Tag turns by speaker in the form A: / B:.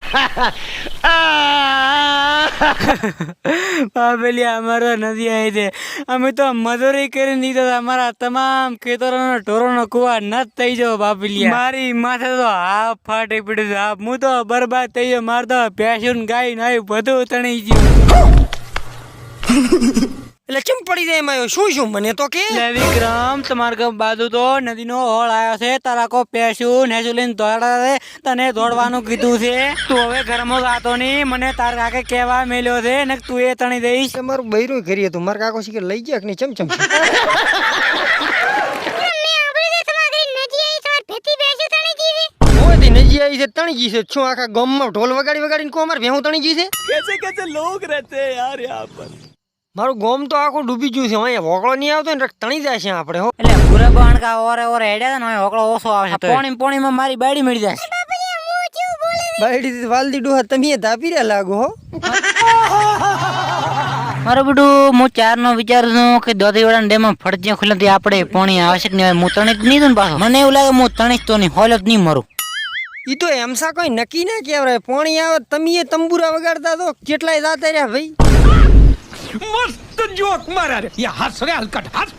A: બાબલિયા અમારો નદી આવી છે. અમે તો મજૂરી કરીને દીધા અમારા તમામ ખેતરોનો ઢોરોનો કુવા નત થઈ જાવ બાબલિયા. મારી માથે તો હાફ ફાટી પડ્યું. હાફ હું તો બરબાદ થઈ ગયો. મારે તો ભેંસું ગાય નાયું બધું તણી ગયું.
B: એટલે ચમ પડી જાય એમાં શું શું મને તો કે
A: વિક્રમ તમારા ગામ બાજુ તો નદીનો હોળ આવ્યો છે. તારા કો પેશું નેસું લઈને દોડા તને દોડવાનું કીધું છે. તું હવે ઘરમાં જાતો નહીં. મને તાર કાકે કહેવા મેલ્યો છે ને તું એ તણી દઈશ.
B: તમારું બૈરું કરી હતું મારા કાકો શીખે લઈ ગયા કે નહીં ચમચમ નજી આવી છે તણી ગઈ છે. શું આખા ગામમાં ઢોલ વગાડી વગાડીને કો અમારે ભેહું તણી ગઈ છે.
A: कैसे कैसे लोग रहते हैं यार यहाँ पर.
B: મારું ગોમ તો આખું ડૂબી ગયું છે. અહીંયા હોકળો નહીં આવતો ને તણી જાય છે આપણે હો.
A: એટલે પૂરા બાણકા ઓરે ઓરે હેડ્યા ને હોકળો ઓછો આવે છે. પોણીમાં મારી બાડી મળી જાય.
B: બાયડી વાલદી ડોહા તમે ધાપી રહ્યા લાગો હો.
A: મારું બધું હું ચારનો વિચારું છું કે દોધીવાડા ડેમમાં ફરજિયા ખુલ્લાથી આપણે પોણી આવશ્યક નહીં. હું તણી જ નહીં દઉં પાછો. મને એવું લાગે હું તણી તો નહીં હોલ જ નહીં મરું.
B: ઈ તો એમસા કોઈ નક્કી ના કહેવાય. પોણી આવે તમે તંબુરા વગાડતા તો કેટલાય જાતા રહ્યા ભાઈ.
C: मस्त जोक मारा रे ये हंस रे हलकट हंस